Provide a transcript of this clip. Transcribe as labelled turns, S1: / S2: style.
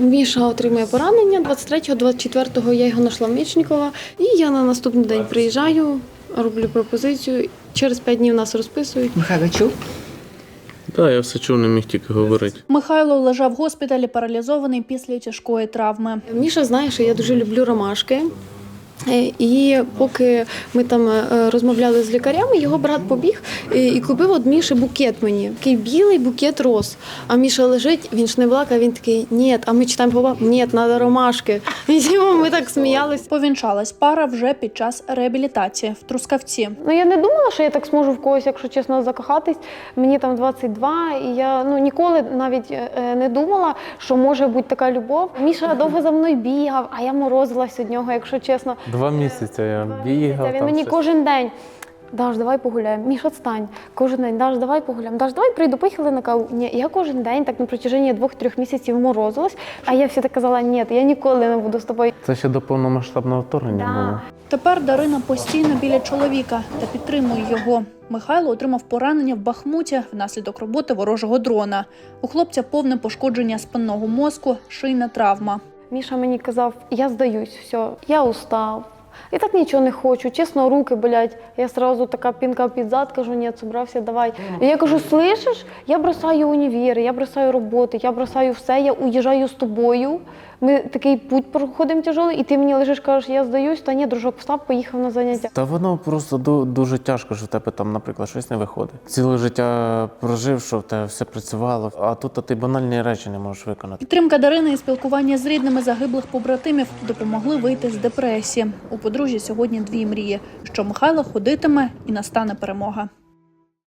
S1: Міша отримує поранення. 23-24 я його знайшла в Мечникова. І я на наступний день приїжджаю, роблю пропозицію. Через 5 днів нас розписують.
S2: Михайло чув?
S3: Так, я все чув, не міг тільки говорити.
S4: Михайло лежав в госпіталі паралізований після тяжкої травми.
S1: Міша знає, що я дуже люблю ромашки. І поки ми там розмовляли з лікарями, його брат побіг і купив від Міші букет мені. Такий білий букет роз. А Міша лежить, він ж не плакав, він такий, ні, а ми читаємо по бабу, ні, треба ромашки. І ми так сміялись.
S4: Повінчалась пара вже під час реабілітації в Трускавці.
S1: Ну, я не думала, що я так зможу в когось, якщо чесно, закохатись. Мені там 22, і я ніколи навіть не думала, що може бути така любов. Міша довго за мною бігав, а я морозилась від нього, якщо чесно.
S3: 2 місяці я бігав.
S1: Він мені кожен день: Даш, давай погуляємо. Міш, відстань. Кожен день: Даш, давай погуляємо. Даш, давай прийду, поїхали на каву. Ні, я кожен день так на протяженні 2-3 місяців морозилась, а я всі так казала: ні, я ніколи не буду з тобою.
S3: Це ще до повномасштабного вторгнення було.
S4: Тепер Дарина постійно біля чоловіка та підтримує його. Михайло отримав поранення в Бахмуті внаслідок роботи ворожого дрона. У хлопця повне пошкодження спинного мозку, шийна травма.
S1: Міша мені казав: я здаюсь, все, я устав. Я так нічого не хочу, чесно, руки болять. Я одразу така пінка під зад, кажу: ні, зібрався, давай. І я кажу: слышиш, я бросаю універ, я бросаю роботи, я бросаю все, я уїжджаю з тобою. Ми такий путь проходимо тяжелий, і ти мені лежиш, кажеш: я здаюсь. Та ні, дружок, встав, поїхав на заняття.
S3: Та воно просто дуже тяжко, що в тебе там, наприклад, щось не виходить. Ціле життя прожив, що в тебе все працювало, а тут ти банальні речі не можеш виконати.
S4: Підтримка Дарини і спілкування з рідними загиблих побратимів допомогли вийти з депресії. У подружжя сьогодні 2 мрії – що Михайло ходитиме і настане перемога.